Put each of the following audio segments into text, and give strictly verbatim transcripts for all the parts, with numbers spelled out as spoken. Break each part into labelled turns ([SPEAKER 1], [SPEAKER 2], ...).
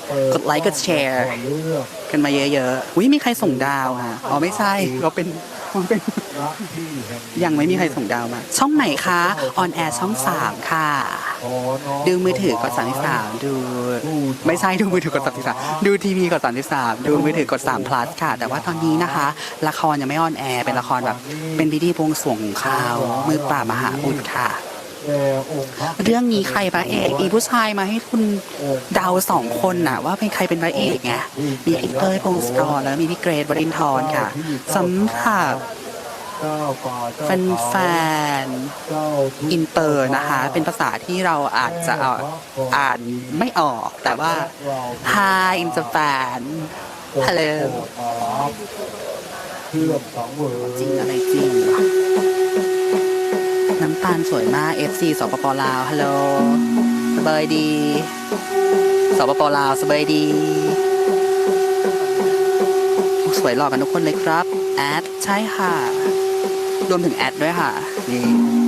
[SPEAKER 1] กดไลค์กดแชร์กันมาเยอะๆอุ้ยมีใครส่งดาวค่ะอ๋อไม่ใช่เราเป็นเราเป็นยังไม่มีใครส่งดาวมาช่องไหนคะออนแอร์ช่องสามค่ะดูมือถือกดสามสิบสามดูไม่ใช่ดูมือถือกดสามสิบสามดูทีวีกดสามสิบสามดูมือถือกดสาม plus ค่ะแต่ว่าตอนนี้นะคะละครยังไม่ออนแอร์เป็นละครแบบเป็นพิธีบวงสรวงของเขามือปราบมหาอุดค่ะเรื่องนี้ใครพระเอกมีผู้ชายมาให้คุณเดาสองคนน่ะว่าเป็นใครเป็นพระเอกไงมีพี่เต้ยพงศกรแล้วมีพี่เกรทวรินทร์ค่ะสำหรับแฟนๆอินเตอร์นะคะเป็นภาษาที่เราอาจจะอ่านไม่ออกแต่ว่า Hi in Japan Hello จริงอะไรจริงน้ำตาลสวยมาก เอฟ ซี สปปลาวฮัลโหลสบายดีสปปลาวสบายดีสวยหล่อกันทุกคนเลยครับแอดใช่ค่ะรวมถึงแอดด้วยค่ะนี่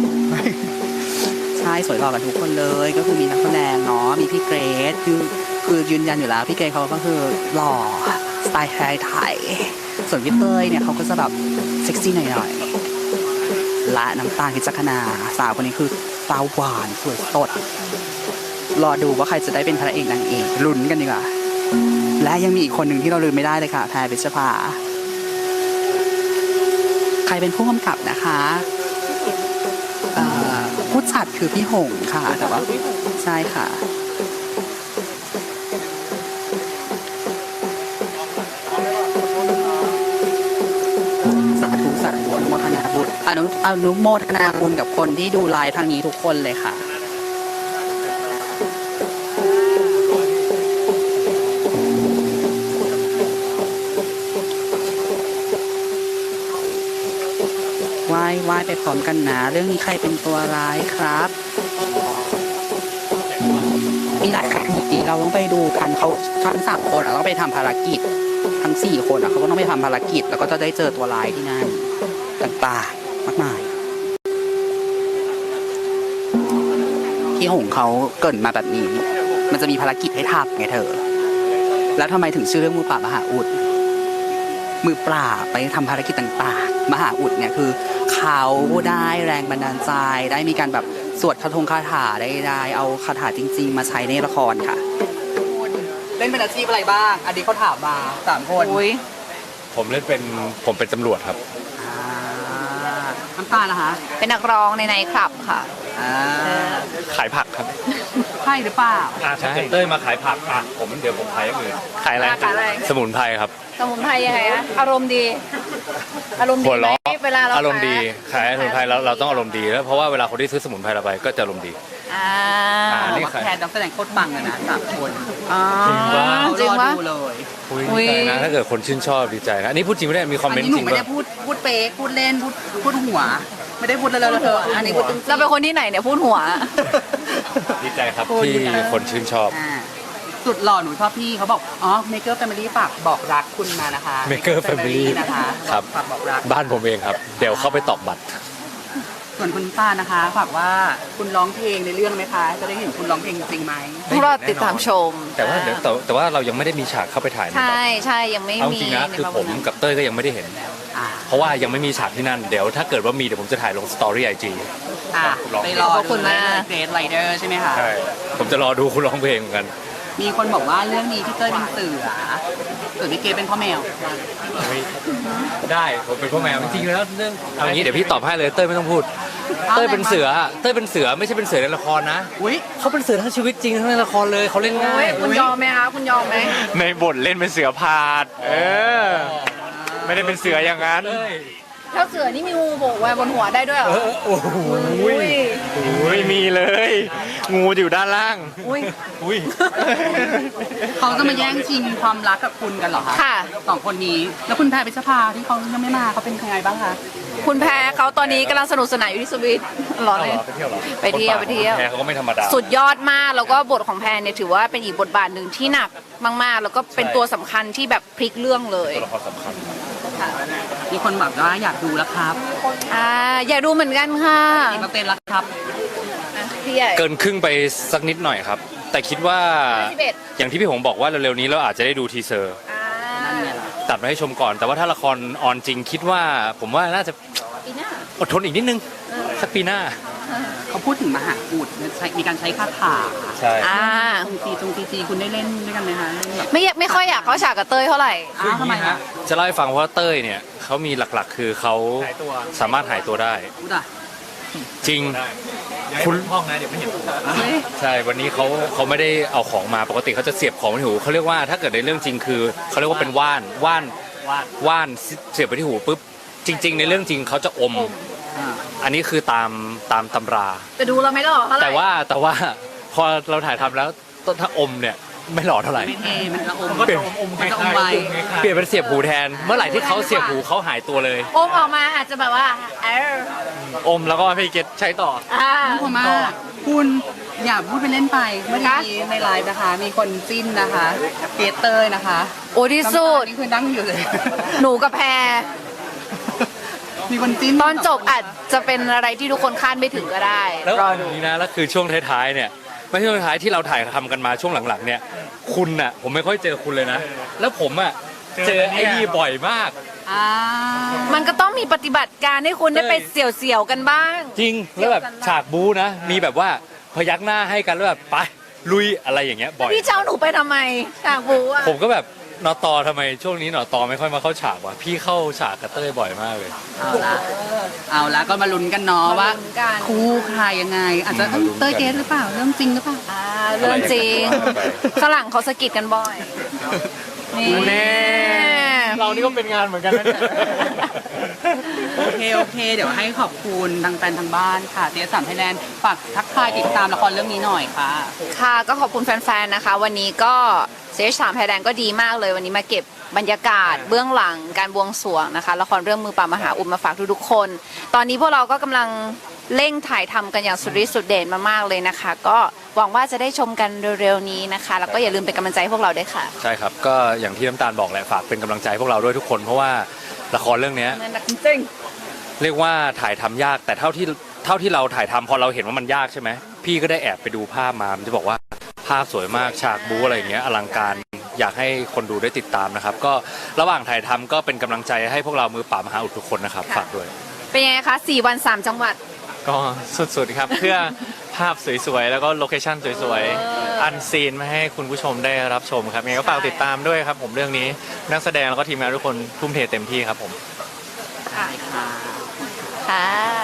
[SPEAKER 1] ใช่สวยหล่อกันทุกคนเลยก็คือมีนักแสดงเนาะมีพี่เกรซคือคือยืนยันอยู่แล้วพี่เกรซเขาก็คือหล่อสไตล์ไทยไทยส่วนพี่เต้ยเนี่ยเขาก็จะแบบเซ็กซี่หน่อยๆและน้ำตาลพิจักนาสาวคนนี้คือสาวหวานสวยสดรอดูว่าใครจะได้เป็นพระเอกนางเอกลุ้นกันดีกว่าและยังมีอีกคนหนึ่งที่เราลืมไม่ได้เลยค่ะแพรพิชภาใครเป็นผู้กำกับนะคะผู้จัดคือพี่หงค่ะแต่ว่าใช่ค่ะสาธุสาธุอนุโมทนาบุญอนุอนุโมทนาบุญกับคนที่ดูไลฟ์ทางนี้ทุกคนเลยค่ะไหว้ไหว้ไปพร้อมกันนะเรื่องนี้ใครเป็นตัวร้ายครับมีหลายครั้งที่เราต้องไปดูกันเขาทั้งสามคนต้องไปทำภารกิจทั้งสี่คนเขาก็ต้องไปทำภารกิจแล้วก็จะได้เจอตัวร้ายที่นั่นต่างๆมากมายที่หงเขาเกิดมาแบบนี้มันจะมีภารกิจให้ทำไงเธอแล้วทำไมถึงชื่อเรื่องมือปราบมหาอุดมือปราบไปทำภารกิจต่างๆมหาอุดเนี่ยคือเขาได้แรงบันดาลใจได้มีการแบบสวดคาถงคาถาได้ได้เอาคาถาจริงๆมาใช้ในละครค่ะเล่นเป็นอาชีพอะไรบ้างอันนี้เขาถามมาสามคน
[SPEAKER 2] ผมเล่นเป็นผมเป็นตำรวจครับ
[SPEAKER 1] น้ำตาลนะคะ
[SPEAKER 3] เป็นนักร้องในไนท์คลับค่ะ
[SPEAKER 2] ขายผักครับ
[SPEAKER 1] ใช่หรือเปล่า
[SPEAKER 2] อ่าใช่เต้ยมาขายผักอ่ะผมเดี๋ยวผมขายอย่างอื่นขายอะไรสมุนไพรครับ
[SPEAKER 3] สมุนไพรยังไงอะอารมณ์ดีอารมณ์ดีไหมเวลาเรา
[SPEAKER 2] อารมณ์ดีขายสมุนไพรแล้วเราต้องอารมณ์ดีแล้วเพราะว่าเวลาคนที่ซื้อสมุนไพรเราไปก็จะอารมณ์ดี
[SPEAKER 3] อ่า
[SPEAKER 1] นี่แทนนักแสดงโคตรปังเลยนะสามคน
[SPEAKER 3] จริงว่าจริงว่า
[SPEAKER 1] เลย
[SPEAKER 2] อุ้ยดีใจนะถ้าเกิดคนชื่นชอบดีใจนะอันนี้พูดจริงไม่ได้มีคอมเมนต์จริง
[SPEAKER 1] ป่ะอันนี้หนูไม่ได้พูดพูดเป๊กพูดเล่นพูดพูดหัวไม่ได้พูดเลยเลยเธออันนี้พูดจริง
[SPEAKER 3] เราเป็นคนที่ไหนเนี่ยพูดหัว
[SPEAKER 2] ดีใจครับที่คนชื่นชอบ
[SPEAKER 1] สุดหล่อหนูชอบพี่เขาบอกอ๋อ Maker Family ฝากบอกรักคุณมานะคะ
[SPEAKER 2] Maker Family
[SPEAKER 1] นะคะ
[SPEAKER 2] ครับ
[SPEAKER 1] ฝากบอกรัก
[SPEAKER 2] บ้านผมเองครับเดี๋ยวเข้าไปตอกบัตร
[SPEAKER 1] ส่วนคุณป้านะคะฝากว่าคุณร้องเพลงในเรื่องไหมคะจะได้เห็นคุณร้องเพลงจริงไหม
[SPEAKER 3] รอติดตามชม
[SPEAKER 2] แต่ว่าเดี๋ยวแต่ว่าเรายังไม่ได้มีฉากเข้าไปถ่าย
[SPEAKER 3] ใช่ใช่ยังไม่มี
[SPEAKER 2] เอาจริงนะคือผมกับเต้ยก็ยังไม่ได้เห็นเพราะว่ายังไม่มีฉากที่นั่นเดี๋ยวถ้าเกิดว่ามีเดี๋ยวผมจะถ่ายลงสตอรี่ไอจี
[SPEAKER 1] ไปรอคุณมาเกรดไรเดอร์ใช่ไหมคะ
[SPEAKER 2] ใช่ผมจะรอดูคุณร้องเพลงเหมือนกัน
[SPEAKER 1] มีคนบอกว่าเรื่องนี้พี่เต้ยเป็นเสือส่วนพี่เกรดเป็นพ่อแมว
[SPEAKER 2] ได้ผมเป็นพ่อแมวจริงๆแล้วเรื่องเอางี้เดี๋ยวพี่ตอบให้เลยเต้ยไม่ต้องพูดเต้ยเป็นเสือเต้ยเป็นเสือไม่ใช่เป็นเสือในละครนะ
[SPEAKER 1] อุ้ย
[SPEAKER 2] เขาเป็นเสือทั้งชีวิตจริงทั้งในละครเลยเขาเล่นง่าย
[SPEAKER 3] คุณยอมไหมคะคุณยอมไหม
[SPEAKER 2] ในบทเล่นเป็นเสือพาดเออไม่ได้เป็นเสืออย่างนั้น
[SPEAKER 3] ถ้าเสือนี่มีงูโผล่ไว้บนหัวได้ด้วยเหรอ
[SPEAKER 2] โอ้โหไม่มีเลยงูอยู่ด้านล่าง
[SPEAKER 3] อุ้ย
[SPEAKER 2] อุ้ย
[SPEAKER 1] เขาจะมาแย่งชิงความรักกับคุณกันเหรอคะ
[SPEAKER 3] ค่ะ
[SPEAKER 1] สองคนนี้แล้วคุณแพรพิชภาที่เขายังไม่มาเขาเป็นยังไงบ้างคะ
[SPEAKER 3] คุณแพรเขาตอนนี้กำลังสนุกสนานอยู่ที่สวิตหรอเลยไปเที่ยวไปเที่ยว
[SPEAKER 2] แพรเขาก็ไม่ธรรมดา
[SPEAKER 3] สุดยอดมากแล้วก็บทของแพรเนี่ยถือว่าเป็นอีกบทบาทหนึ่งที่หนักมากๆแล้วก็เป็นตัวสำคัญที่แบบพลิกเรื่องเลย
[SPEAKER 2] ตัวละครสำคัญ
[SPEAKER 1] มีคนบอกว่าอยากดูแล้วครับ
[SPEAKER 3] อ่าอยากดูเหมือนกันค่ะ
[SPEAKER 1] กี่เปอร์เซ็นต์แล้วครับ
[SPEAKER 3] พี่ใหญ่
[SPEAKER 2] เกินครึ่งไปสักนิดหน่อยครับแต่คิดว่า
[SPEAKER 3] สิบเอ็ด
[SPEAKER 2] อย่างที่พี่หงบอกว่าเร็วๆนี้เราอาจจะได้ดูทีเซอร์
[SPEAKER 3] อ่า
[SPEAKER 2] ตัดมาให้ชมก่อน แต่ว่าถ้าละครออนจริงคิดว่าผมว่าน่าจะ
[SPEAKER 3] ปีหน้า
[SPEAKER 2] อดทนอีกนิดนึงสักปีหน้า
[SPEAKER 1] เขาพูดถึงมหาอุดใช้มีการใช้คาถา
[SPEAKER 2] ใช่
[SPEAKER 3] อ่า
[SPEAKER 1] ตรงจีตรงจีจีคุณได้เล่นด้วยกันไหมคะเล่นแบบ
[SPEAKER 3] ไม่ไม่ค่อยอยากเข้าฉากกับเต้ยเท่าไหร่
[SPEAKER 1] อ้าวทำไมคะ
[SPEAKER 2] จะเล่าให้ฟังว่าเต้ยเนี่ยเขามีหลักๆ คือเขาสามารถหายตัวได้
[SPEAKER 1] พูดอ่ะ
[SPEAKER 2] จริง
[SPEAKER 4] คุณห้องนะเดี๋ยวไม่เห็น
[SPEAKER 1] เฮ้ย
[SPEAKER 2] ใช่วันนี้เขาเขาไม่ได้เอาของมาปกติเขาจะเสียบของไว้ที่หูเขาเรียกว่าถ้าเกิดในเรื่องจริงคือเขาเรียกว่าเป็นว่านว่านว่านเสียบไปที่หูปุ๊บจริง ๆ ในเรื่องจริงเขาจะอม
[SPEAKER 1] อ่า
[SPEAKER 2] อันนี้คือตามตามตำรา
[SPEAKER 3] แต่ดูเราไม่หล่อเท่าไหร่
[SPEAKER 2] แต่ว่าแต่ว่าพอเราถ่ายทำแล้วต้นถ้าอมเนี่ยไม่หล่อเท่าไหร่
[SPEAKER 1] ไม่เท่มันจะอม
[SPEAKER 4] ก็จะอม
[SPEAKER 1] มันจะอม
[SPEAKER 4] ค
[SPEAKER 1] ไว
[SPEAKER 4] ล้ายๆ
[SPEAKER 2] เปลี่ยนเป็นเสียบหูแทน เมื่อไหร่ที่เขาเสียบหูเขาหายตัวเลย
[SPEAKER 3] โอมออกมาอาจจะแบบว่าเออ
[SPEAKER 2] อมแล้วก็พี่เกตใช้ต่อ
[SPEAKER 3] อ่า
[SPEAKER 1] น่ากลัวมากคุณอย่าพูดไปเล่นไปเมื่อกี้ในไลฟ์นะคะ มีคนจิ้นนะคะเปียเตอร์นะคะ
[SPEAKER 3] โอ้ที่สุด
[SPEAKER 1] นี่คือนั่งอยู่เลย
[SPEAKER 3] หนูกับแพร
[SPEAKER 1] มีคนจิ้น
[SPEAKER 3] ตอนจบอาจจะเป็นอะไรที่ทุกคนคาดไม่ถึงก็ได้
[SPEAKER 2] แล้ว
[SPEAKER 3] รอดู
[SPEAKER 2] นี่นะแล้วคือช่วงท้ายๆเนี่ยไม่ใช่ช่วงท้ายที่เราถ่ายทำกันมาช่วงหลังๆเนี่ยคุณน่ะผมไม่ค่อยเจอคุณเลยนะ แล้วผมอ่ะเจอไอ้นี่บ่อยมาก
[SPEAKER 1] อ่า
[SPEAKER 3] มันก็ต้องมีปฏิบัติการให้คุณได้ไปเสี่ยวๆกันบ้าง
[SPEAKER 2] จริงแล้วแบบฉากบู๊นะ มีแบบว่าพยักหน้าให้กันแล้วแบบไปลุยอะไรอย่างเงี้ยบ่อย
[SPEAKER 3] พี่เจ้าหนูไปทำไมฉากบูอ่ะ
[SPEAKER 2] ผมก็แบบนอตอทำไมช่วงนี้นอตอไม่ค่อยมาเข้าฉากวะพี่เข้าฉากกับเต้ยบ่อยมากเลย
[SPEAKER 1] เอาละเอาละก็มาลุ้นกันเนาะว่า
[SPEAKER 3] มาลุ้นกัน
[SPEAKER 1] คู่ใครยังไง อาจจะเอ้ยเต้ยเกสหรือเปล่าเรื่องจริงหรือเปล่า
[SPEAKER 3] อ่าเรื่องจริงฝรั่งเขาสะกิดกันบ่อยนี่
[SPEAKER 2] แน่ เรานี่ก็เป็นงานเหมือนกันนะเนี่ย
[SPEAKER 1] โอเค โอเค เดี๋ยวให้ขอบคุณทางแฟนทางบ้านค่ะเตียสามไทยแลนด์ฝากทักทายติดตามละครเรื่องนี้หน่อยค่ะ
[SPEAKER 3] ค่ะก็ขอบคุณแฟนๆนะคะ วันนี้ก็เซชสามไทยแลนด์ก็ดีมากเลย วันนี้มาเก็บบรรยากาศเบื้องหลังการบวงสรวงนะคะละครเรื่องมือปราบมหาอุดมาฝากทุกๆคน ตอนนี้พวกเราก็กำลังเร่งถ่ายทำกันอย่างสุดฤทธิ์สุดเด่นมากๆเลยนะคะ ก็หวังว่าจะได้ชมกันเร็วๆนี้นะคะ แล้วก็อย่าลืมเป็นกำลังใจให้พวกเราด้วยค่ะ
[SPEAKER 2] ใช่ครับก็อย่างที่น้ำตาลบอกแหละฝากเป็นกำลังใจพวกเราด้วยทุกคนเพราะว่าละครเรื่องเนี้ย
[SPEAKER 3] นั่นจริง
[SPEAKER 2] เรียกว่าถ่ายทำยากแต่เท่าที่เท่าที่เราถ่ายทำพอเราเห็นว่ามันยากใช่ไหมพี่ก็ได้แอบไปดูภาพมามันจะบอกว่าภาพสวยมากฉากบู๊อะไรอย่างเงี้ยอลังการอยากให้คนดูได้ติดตามนะครับ ก็ระหว่างถ่ายทำก็เป็นกำลังใจให้พวกเรามือปราบมหาอุดทุกคนนะครับฝากด้วย
[SPEAKER 3] เป็นยังไงคะสี่วันสามจังหวัด
[SPEAKER 4] ก็สุดๆครับ เพื่อภาพสวยๆ แล้วก็โลเคชั่นสวยๆ อันซีนมาให้คุณผู้ชมได้รับชมครับยังไงก็ฝากติดตามด้วยครับผมเรื่องนี้นักแสดงแล้วก็ทีมงานทุกคนทุ่มเทเต็มที่ครับผม
[SPEAKER 3] ค่ะ
[SPEAKER 1] ค่ะ
[SPEAKER 3] ค่ะ